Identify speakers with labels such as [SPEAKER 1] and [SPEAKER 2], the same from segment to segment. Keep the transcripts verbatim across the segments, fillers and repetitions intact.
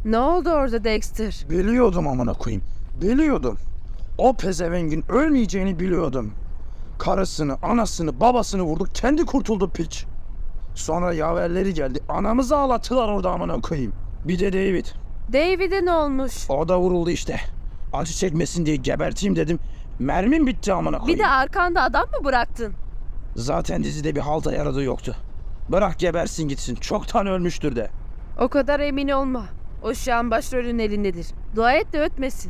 [SPEAKER 1] Ne oldu orada Dexter?
[SPEAKER 2] Biliyordum amına koyayım. Biliyordum. O pezevengin ölmeyeceğini biliyordum. Karısını, anasını, babasını vurdu. Kendi kurtuldu piç. Sonra yaverleri geldi. Anamızı ağlattılar orada amına koyayım. Bir de David.
[SPEAKER 1] David'e ne olmuş?
[SPEAKER 2] O da vuruldu işte. Acı çekmesin diye geberteyim dedim. Mermim bitti amına koyayım.
[SPEAKER 1] Bir de arkanda adam mı bıraktın?
[SPEAKER 2] Zaten dizide bir halta yaradığı yoktu. Bırak gebersin gitsin. Çoktan ölmüştür de.
[SPEAKER 1] O kadar emin olma. O şu an başrolün elindedir. Dua et de ötmesin.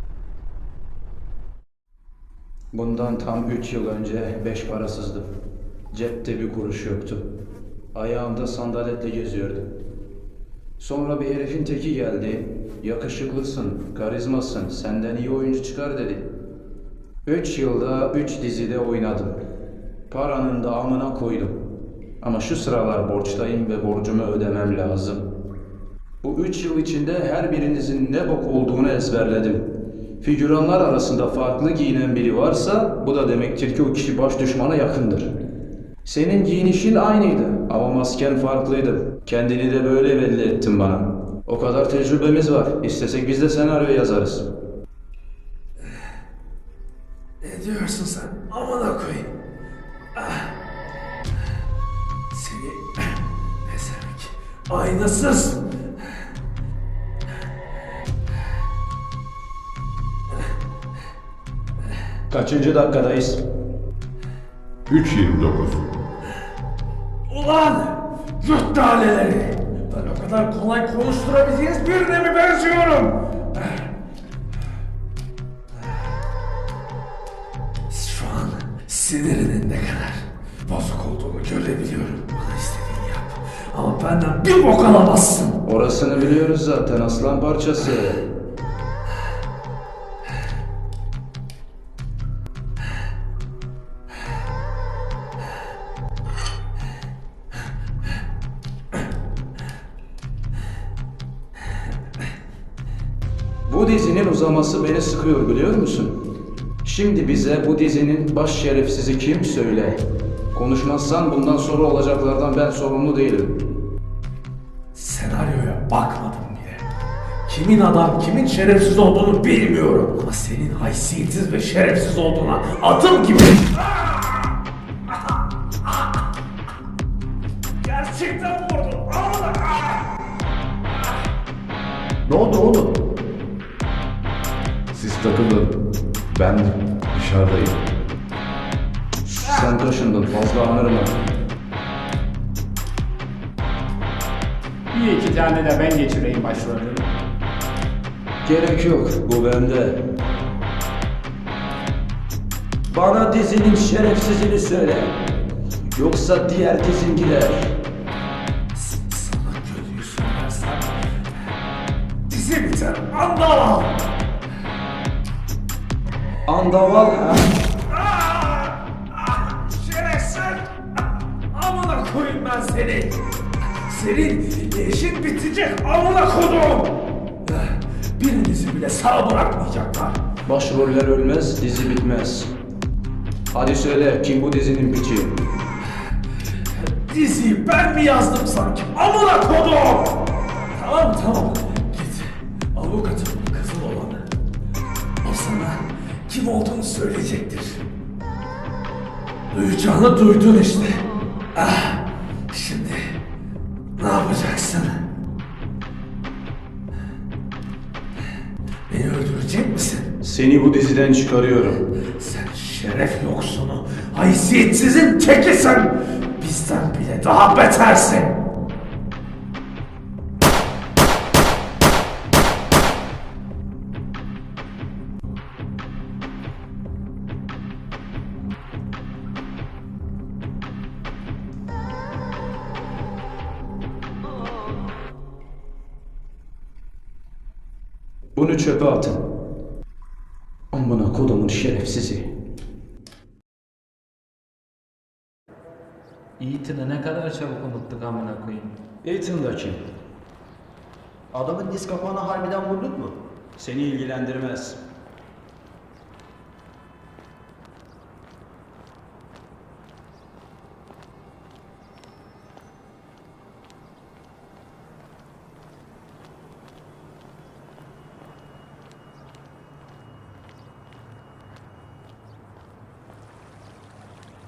[SPEAKER 3] Bundan tam üç yıl önce beş parasızdım. Cepte bir kuruş yoktu. Ayağımda sandaletle geziyordum. Sonra bir herifin teki geldi. Yakışıklısın, karizmasın, senden iyi oyuncu çıkar dedi. Üç yılda üç dizide oynadım. Paranın da amına koydum. Ama şu sıralar borçtayım ve borcumu ödemem lazım. Bu üç yıl içinde her birinizin ne bok olduğunu ezberledim. Figüranlar arasında farklı giyinen biri varsa bu da demektir ki o kişi baş düşmana yakındır. Senin giyinişin aynıydı ama masken farklıydı. Kendini de böyle belli ettin bana. O kadar tecrübemiz var. İstesek biz de senaryo yazarız.
[SPEAKER 4] Ne diyorsun sen? Amına koyayım. Ah. Seni pezevenk. Aynasız.
[SPEAKER 3] Kaçıncı dakikadayız?
[SPEAKER 5] üç yirmi dokuz.
[SPEAKER 4] Ulan! Yurt daleleri! Ben o kadar kolay konuşturabileceğiniz birine mi benziyorum? Şu an sinirinin ne kadar bozuk olduğunu görebiliyorum. Bana istediğini yap. Ama benden bir bok alamazsın.
[SPEAKER 3] Orasını biliyoruz zaten aslan parçası. Bu dizinin uzaması beni sıkıyor biliyor musun? Şimdi bize bu dizinin baş şerefsizi kim söyle. Konuşmazsan bundan sonra olacaklardan ben sorumlu değilim.
[SPEAKER 4] Senaryoya bakmadım bile. Kimin adam, kimin şerefsiz olduğunu bilmiyorum. Ama senin haysiyetsiz ve şerefsiz olduğuna adım gibi... Gerçekten vurdun. Amına.
[SPEAKER 5] Ne oldu oğlum? Siz takılın. Ben dışarıdayım.
[SPEAKER 3] Sen taşındın fazla anırma.
[SPEAKER 6] Bir iki tane de ben geçireyim başrolünü.
[SPEAKER 3] Gerek yok, bu bende. Bana dizinin şerefsizini söyle. Yoksa diğer dizin gider.
[SPEAKER 4] Sana kötüyü söylersem... Dizi biter. Anla!
[SPEAKER 3] Andaval ha?
[SPEAKER 4] Şerefsiz! Amına koyayım ben seni! Senin işin bitecek amına kodum! Birinizi bile sağ bırakmayacaklar.
[SPEAKER 3] Başroller ölmez, dizi bitmez. Hadi söyle, kim bu dizinin piçi?
[SPEAKER 4] Diziyi ben mi yazdım sanki? Amına kodum! Tamam tamam. Git. Avukatın kızıl olanı. O sana kim olduğunu söyleyecektir. Duyacağını duydun işte. Ah, şimdi ne yapacaksın? Beni öldürecek misin?
[SPEAKER 3] Seni bu diziden çıkarıyorum.
[SPEAKER 4] Sen şeref yoksunu, haysiyetsizin tekisin. Bizden bile daha betersin.
[SPEAKER 3] Bunu çöpe atın. Amına kodumun şerefsizi.
[SPEAKER 6] Ethan'ı ne kadar çabuk unuttuk amına koyayım.
[SPEAKER 3] Ethan da kim?
[SPEAKER 7] Adamın diz kapağına harbiden vurduk mu?
[SPEAKER 3] Seni ilgilendirmez.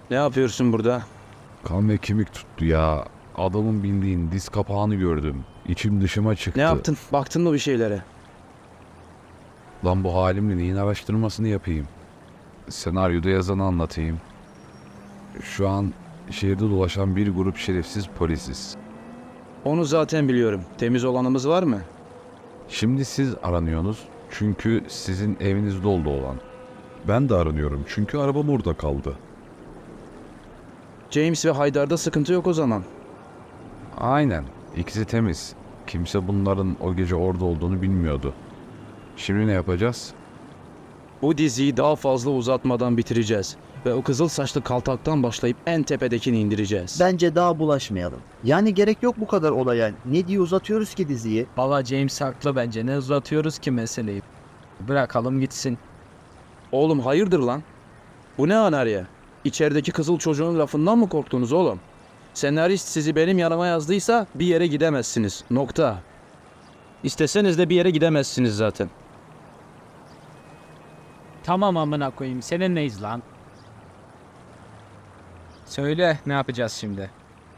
[SPEAKER 2] Ne yapıyorsun burada?
[SPEAKER 5] Kan ve kemik tuttu ya. Adamın bindiğin diz kapağını gördüm. İçim dışıma çıktı.
[SPEAKER 2] Ne yaptın? Baktın mı bir şeylere?
[SPEAKER 5] Lan bu halimle neyin araştırmasını yapayım? Senaryoda yazanı anlatayım. Şu an şehirde dolaşan bir grup şerefsiz polisiz.
[SPEAKER 2] Onu zaten biliyorum. Temiz olanımız var mı?
[SPEAKER 5] Şimdi siz aranıyorsunuz çünkü sizin evinizde oldu olan. Ben de aranıyorum çünkü arabam orada kaldı.
[SPEAKER 2] James ve Haydar'da sıkıntı yok o zaman.
[SPEAKER 5] Aynen. İkisi temiz. Kimse bunların o gece orada olduğunu bilmiyordu. Şimdi ne yapacağız?
[SPEAKER 2] Bu diziyi daha fazla uzatmadan bitireceğiz. Ve o kızıl saçlı kaltaktan başlayıp en tepedekini indireceğiz.
[SPEAKER 7] Bence daha bulaşmayalım. Yani gerek yok bu kadar olaya. Ne diye uzatıyoruz ki diziyi?
[SPEAKER 8] Baba James haklı bence. Ne uzatıyoruz ki meseleyi? Bırakalım gitsin.
[SPEAKER 2] Oğlum hayırdır lan? Bu ne anarya? İçerideki kızıl çocuğun lafından mı korktunuz oğlum? Senarist sizi benim yanıma yazdıysa bir yere gidemezsiniz. Nokta. İsteseniz de bir yere gidemezsiniz zaten.
[SPEAKER 8] Tamam amına koyayım. Seninleyiz lan. Söyle ne yapacağız şimdi?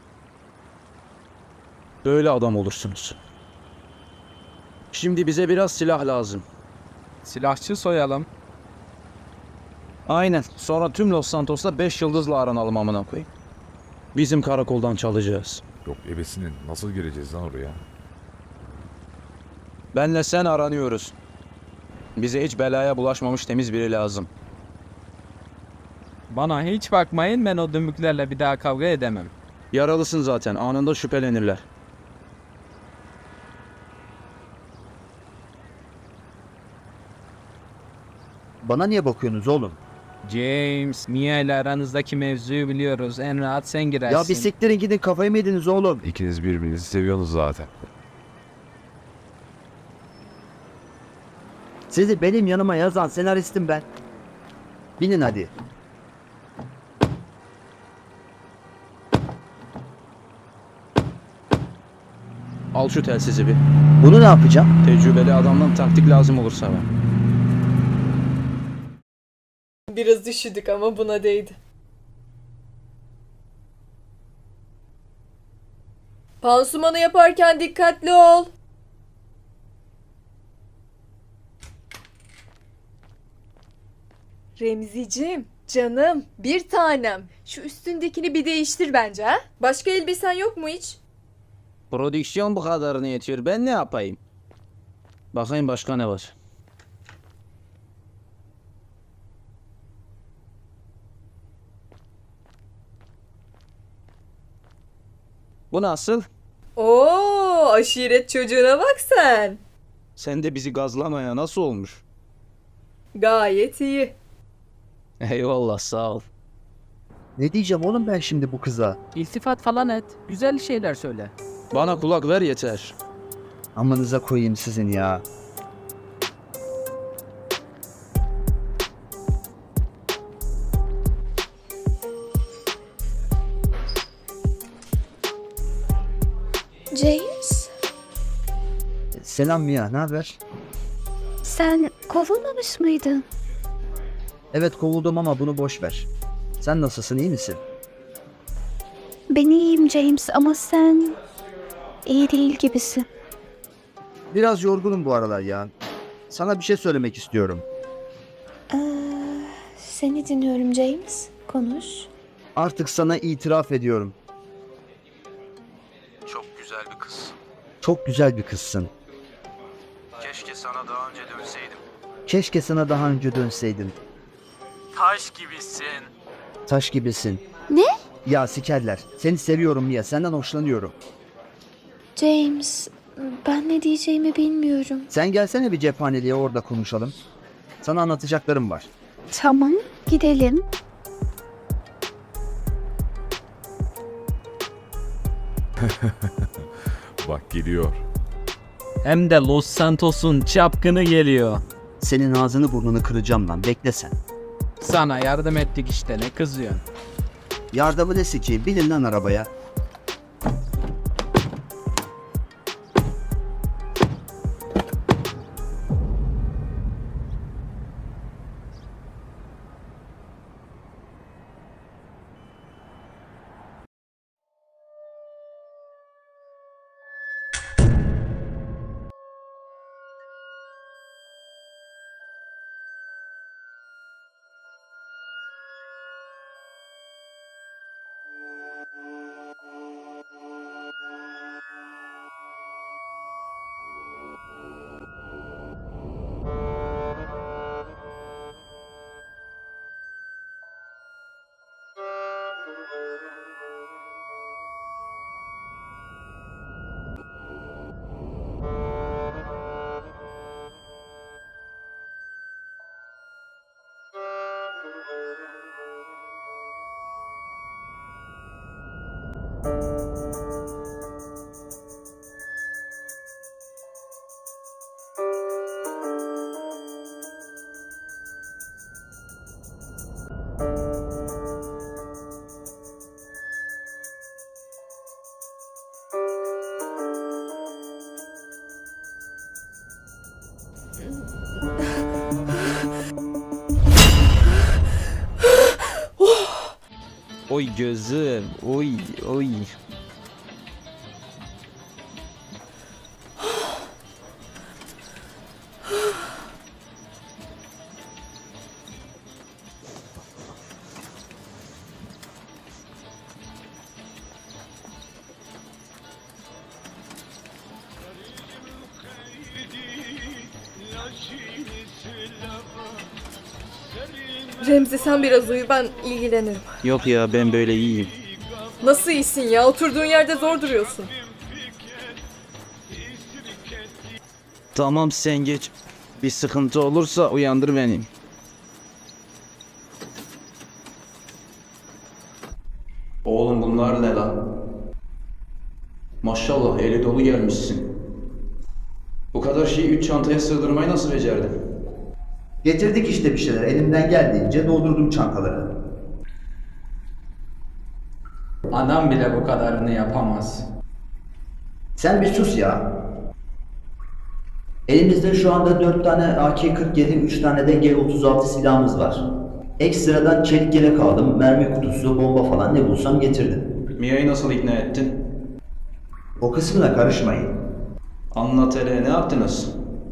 [SPEAKER 2] Böyle adam olursunuz. Şimdi bize biraz silah lazım.
[SPEAKER 8] Silahçı soyalım.
[SPEAKER 2] Aynen. Sonra tüm Los Santos'ta beş yıldızla aranalım amına koyayım. Bizim karakoldan çalacağız.
[SPEAKER 5] Yok ebesinin nasıl gireceğiz lan oraya?
[SPEAKER 2] Benle sen aranıyoruz. Bize hiç belaya bulaşmamış temiz biri lazım.
[SPEAKER 8] Bana hiç bakmayın, ben o dümüklerle bir daha kavga edemem.
[SPEAKER 2] Yaralısın zaten. Anında şüphelenirler.
[SPEAKER 7] Bana niye bakıyorsunuz oğlum?
[SPEAKER 8] James, Mia ile aranızdaki mevzuyu biliyoruz. En rahat sen girersin.
[SPEAKER 7] Ya bir siktirin gidin, kafayı mı yediniz oğlum?
[SPEAKER 5] İkiniz birbirinizi seviyorsunuz zaten.
[SPEAKER 7] Sizi benim yanıma yazan senaristim ben. Binin hadi.
[SPEAKER 2] Al şu telsizi bir.
[SPEAKER 7] Bunu ne yapacağım?
[SPEAKER 2] Tecrübeli adamdan taktik lazım olursa ben.
[SPEAKER 9] Biraz üşüdük ama buna değdi. Pansumanı yaparken dikkatli ol. Remzicim, canım, bir tanem. Şu üstündekini bir değiştir bence ha? Başka elbisen yok mu hiç?
[SPEAKER 2] Prodüksiyon bu kadarını yetiyor. Ben ne yapayım? Bakayım başka ne var? Bu nasıl?
[SPEAKER 9] Oo, aşiret çocuğuna bak sen.
[SPEAKER 2] Sen de bizi gazlamaya nasıl olmuş?
[SPEAKER 9] Gayet iyi.
[SPEAKER 2] Eyvallah sağ ol.
[SPEAKER 7] Ne diyeceğim oğlum ben şimdi bu kıza?
[SPEAKER 8] İltifat falan et. Güzel şeyler söyle.
[SPEAKER 2] Bana kulak ver yeter.
[SPEAKER 7] Amanıza koyayım sizin ya.
[SPEAKER 10] James,
[SPEAKER 7] Selam Mia, ne haber?
[SPEAKER 10] sen kovulmamış mıydın?
[SPEAKER 7] Evet kovuldum ama bunu boş ver. Sen nasılsın, iyi misin?
[SPEAKER 10] Ben iyiyim James ama sen iyi değil gibisin.
[SPEAKER 7] Biraz yorgunum bu aralar ya. Sana bir şey söylemek istiyorum.
[SPEAKER 10] Ee, seni dinliyorum James. Konuş.
[SPEAKER 7] Artık sana itiraf ediyorum.
[SPEAKER 2] Çok güzel bir kız.
[SPEAKER 7] Çok güzel bir kızsın.
[SPEAKER 2] Keşke sana daha önce dönseydim.
[SPEAKER 7] Keşke sana daha önce dönseydim.
[SPEAKER 8] Taş gibisin.
[SPEAKER 7] Taş gibisin.
[SPEAKER 10] Ne?
[SPEAKER 7] Ya sikerler. Seni seviyorum Mia. Senden hoşlanıyorum.
[SPEAKER 10] James, ben ne diyeceğimi bilmiyorum.
[SPEAKER 7] Sen gelsene bir cephaneliğe, orada konuşalım. Sana anlatacaklarım var.
[SPEAKER 10] Tamam, gidelim.
[SPEAKER 5] Bak geliyor.
[SPEAKER 8] Hem de Los Santos'un çapkını geliyor.
[SPEAKER 7] Senin ağzını burnunu kıracağım lan. Bekle sen.
[SPEAKER 8] Sana yardım ettik işte, ne kızıyorsun?
[SPEAKER 7] Yardımı ne sikeyim? Binin lan arabaya.
[SPEAKER 8] Oy gözüm. Oy oy.
[SPEAKER 9] Remzi sen biraz uyu, ben ilgilenirim.
[SPEAKER 7] Yok ya, ben böyle iyiyim.
[SPEAKER 9] Nasıl iyisin ya? Oturduğun yerde zor duruyorsun.
[SPEAKER 7] Tamam, sen geç. Bir sıkıntı olursa uyandır beni.
[SPEAKER 3] Oğlum bunlar ne lan? Maşallah eli dolu gelmişsin. Bu kadar şeyi üç çantaya sığdırmayı nasıl becerdin?
[SPEAKER 7] Getirdik işte bir şeyler. Elimden geldiğince doldurdum çantaları.
[SPEAKER 6] Adam bile bu kadarını yapamaz.
[SPEAKER 7] Sen bir sus ya. Elimizde şu anda dört tane A K kırk yedi, üç tane de G otuz altı silahımız var. Ekstradan çelik yelek aldım, mermi kutusu, bomba falan ne bulsam getirdim.
[SPEAKER 3] Mia'yı nasıl ikna ettin?
[SPEAKER 7] O kısmına karışmayın.
[SPEAKER 3] Anlat hele, ne yaptınız?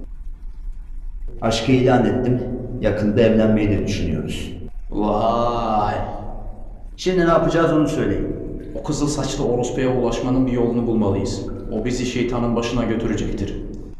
[SPEAKER 7] Aşkı ilan ettim. Yakında evlenmeyi de düşünüyoruz.
[SPEAKER 3] Vay!
[SPEAKER 7] Şimdi ne yapacağız onu söyleyin.
[SPEAKER 3] O kızıl saçlı orospuya ulaşmanın bir yolunu bulmalıyız. O bizi şeytanın başına götürecektir.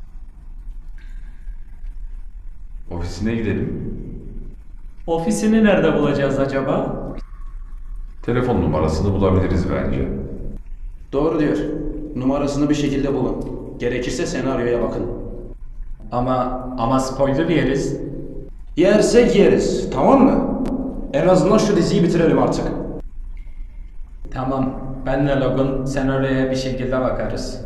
[SPEAKER 5] Ofisine gidelim.
[SPEAKER 6] Ofisini nerede bulacağız acaba?
[SPEAKER 5] Telefon numarasını bulabiliriz bence.
[SPEAKER 3] Doğru diyor. Numarasını bir şekilde bulun. Gerekirse senaryoya bakın.
[SPEAKER 6] Ama ama spoiler yeriz.
[SPEAKER 3] Yersek yeriz, tamam mı? En azından şu diziyi bitirelim artık.
[SPEAKER 6] Tamam. Benle Logan senaryoya bir şekilde bakarız.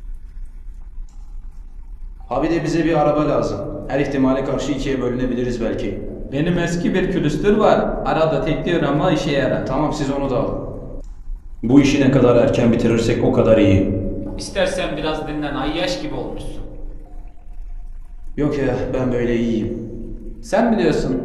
[SPEAKER 3] Ha bir de bize bir araba lazım. Her ihtimale karşı ikiye bölünebiliriz belki.
[SPEAKER 6] Benim eski bir külüstür var. Arada tekliyor ama işe yarar.
[SPEAKER 3] Tamam, siz onu da alın. Bu işi ne kadar erken bitirirsek o kadar iyi.
[SPEAKER 6] İstersen biraz dinlen. Ayyaş gibi olmuşsun.
[SPEAKER 3] Yok ya, ben böyle iyiyim.
[SPEAKER 6] Sen biliyorsun.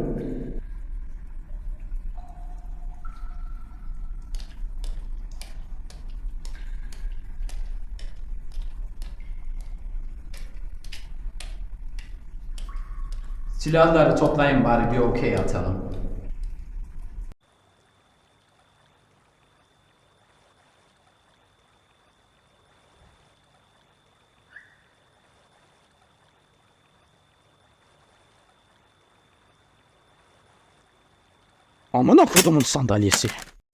[SPEAKER 6] Silahları toplayın bari bir okey atalım.
[SPEAKER 2] Amına kodumun sandalyesi.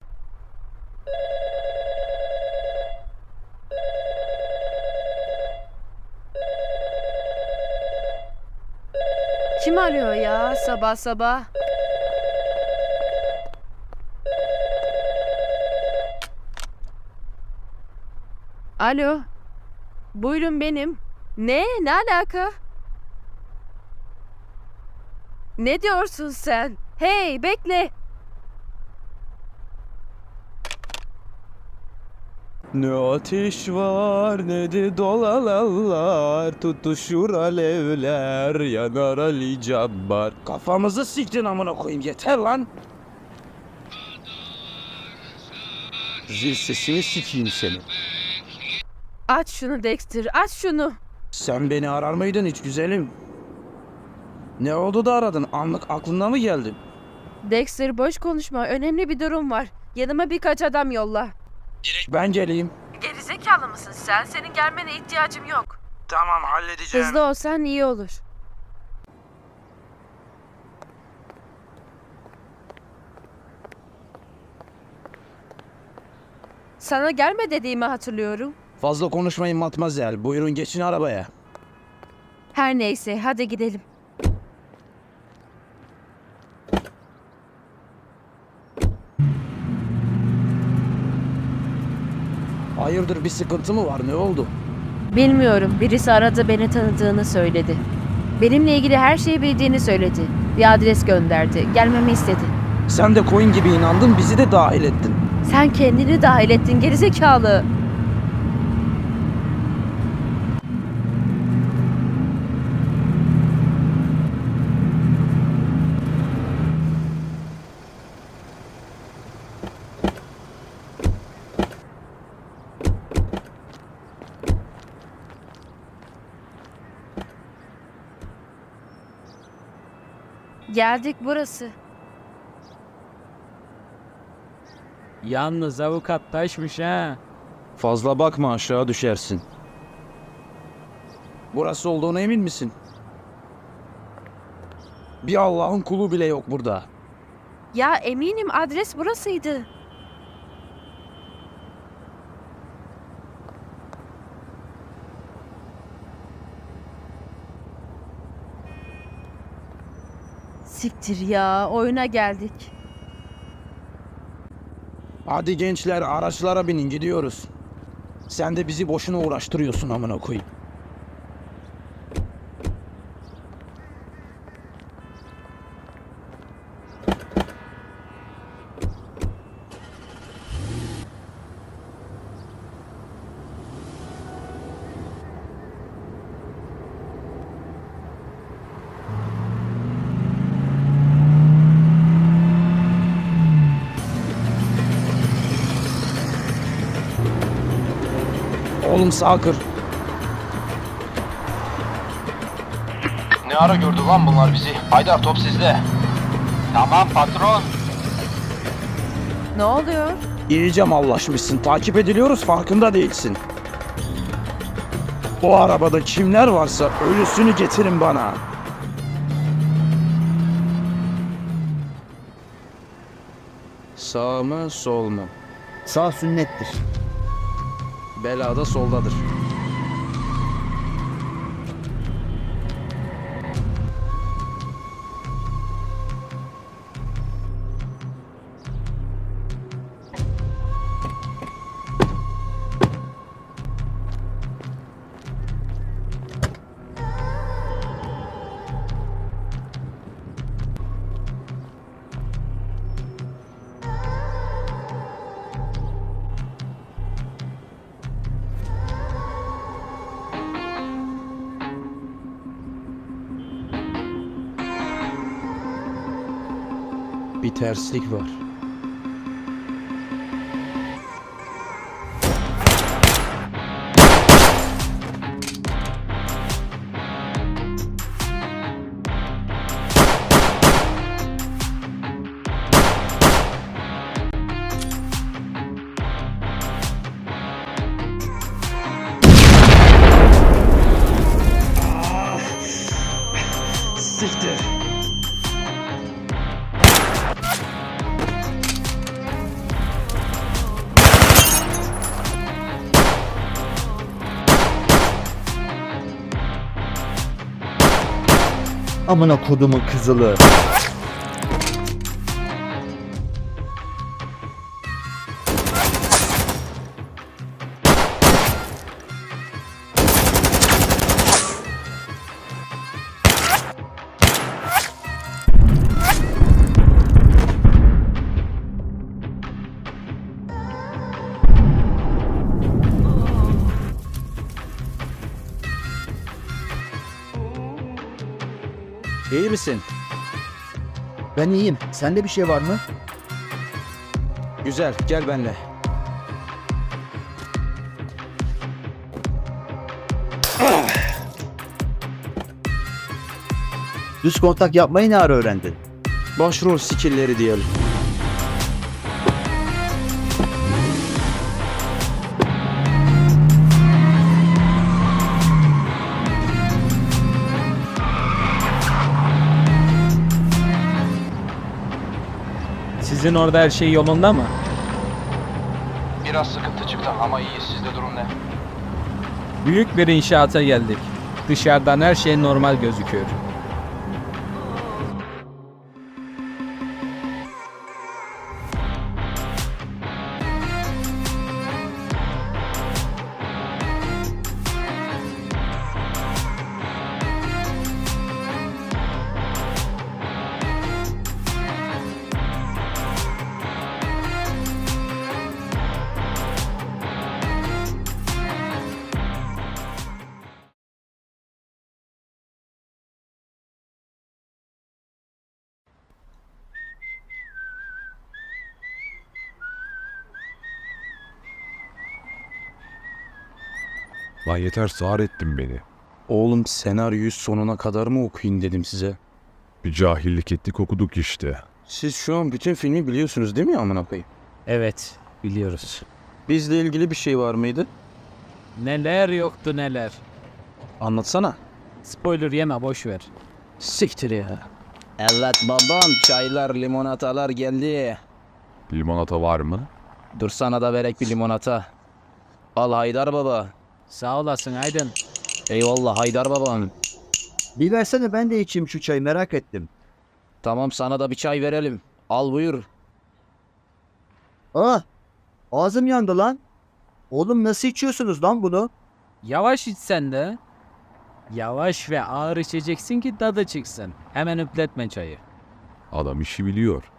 [SPEAKER 1] Kim arıyor ya sabah sabah? Alo. Buyurun benim. Ne? Ne alaka? Ne diyorsun sen? Hey, bekle.
[SPEAKER 2] Ne ateş var ne de dolalar, tutuşur alevler, yanar Ali Cabbar. Kafamızı siktin amına koyayım, yeter lan. Zil sesini sikeyim seni.
[SPEAKER 1] Aç şunu Dexter, aç şunu.
[SPEAKER 2] Sen beni arar mıydın hiç güzelim? Ne oldu da aradın? Anlık aklına mı geldi?
[SPEAKER 1] Dexter boş konuşma, önemli bir durum var. Yanıma birkaç adam yolla.
[SPEAKER 2] Ben geleyim.
[SPEAKER 1] Gerizekalı mısın sen? Senin gelmene ihtiyacım yok.
[SPEAKER 2] Tamam, halledeceğim.
[SPEAKER 1] Hızlı olsan iyi olur. Sana gelme dediğimi hatırlıyorum.
[SPEAKER 2] Fazla konuşmayın matmazel. Buyurun geçin arabaya.
[SPEAKER 1] Her neyse, hadi gidelim.
[SPEAKER 2] Hayırdır, bir sıkıntı mı var, ne oldu?
[SPEAKER 1] Bilmiyorum. Birisi aradı, beni tanıdığını söyledi. Benimle ilgili her şeyi bildiğini söyledi. Bir adres gönderdi. Gelmemi istedi.
[SPEAKER 2] Sen de koyun gibi inandın, bizi de dahil ettin.
[SPEAKER 1] Sen kendini dahil ettin gerizekalı. Geldik, burası.
[SPEAKER 8] Yalnız avukat taşmış ha.
[SPEAKER 2] Fazla bakma, aşağı düşersin. Burası olduğuna emin misin? Bir Allah'ın kulu bile yok burada.
[SPEAKER 1] Ya eminim, adres burasıydı. Siktir ya, oyuna geldik.
[SPEAKER 2] Hadi gençler, araçlara binin, gidiyoruz. Sen de bizi boşuna uğraştırıyorsun amına koyayım. Oğlum sağ kır.
[SPEAKER 3] Ne ara gördü lan bunlar bizi? Haydar, top sizde. Tamam patron.
[SPEAKER 1] Ne oluyor?
[SPEAKER 2] İyice mallaşmışsın. Takip ediliyoruz, farkında değilsin. O arabada kimler varsa ölüsünü getirin bana. Sağ mı, sol mu?
[SPEAKER 7] Sağ sünnettir.
[SPEAKER 2] Belada soldadır. Bir terslik var. Siktir.
[SPEAKER 7] Amına kodumun kızılı.
[SPEAKER 2] İyi misin?
[SPEAKER 7] Ben iyiyim. Sende bir şey var mı?
[SPEAKER 2] Güzel, gel benimle.
[SPEAKER 7] Düz kontak yapmayı ne ara öğrendin?
[SPEAKER 2] Başrol skill'leri diyelim.
[SPEAKER 8] Sizin orada her şey yolunda mı?
[SPEAKER 3] Biraz sıkıntı çıktı ama iyi. Sizde durum ne?
[SPEAKER 8] Büyük bir inşaata geldik. Dışarıdan her şey normal gözüküyor.
[SPEAKER 5] Lan yeter, sağır ettin beni.
[SPEAKER 2] Oğlum senaryoyu sonuna kadar mı okuyun dedim size.
[SPEAKER 5] Bir cahillik ettik, okuduk işte.
[SPEAKER 2] Siz şu an bütün filmi biliyorsunuz değil mi amına koyayım?
[SPEAKER 8] Evet, biliyoruz.
[SPEAKER 2] Bizle ilgili bir şey var mıydı?
[SPEAKER 8] Neler yoktu neler.
[SPEAKER 2] Anlatsana.
[SPEAKER 8] Spoiler yeme, boş ver.
[SPEAKER 2] Siktir ya. Evet babam, çaylar limonatalar geldi.
[SPEAKER 5] Limonata var mı?
[SPEAKER 2] Dur sana da verek bir limonata. Al Haydar baba.
[SPEAKER 8] Sağ olasın Aydın.
[SPEAKER 2] Eyvallah Haydar babam.
[SPEAKER 7] Bir versene ben de içeyim şu çayı, merak ettim.
[SPEAKER 2] Tamam sana da bir çay verelim. Al buyur.
[SPEAKER 7] Ah! Ağzım yandı lan. Oğlum nasıl içiyorsunuz lan bunu?
[SPEAKER 8] Yavaş içsen de. Yavaş ve ağır içeceksin ki tadı çıksın. Hemen üpletme çayı.
[SPEAKER 5] Adam işi biliyor.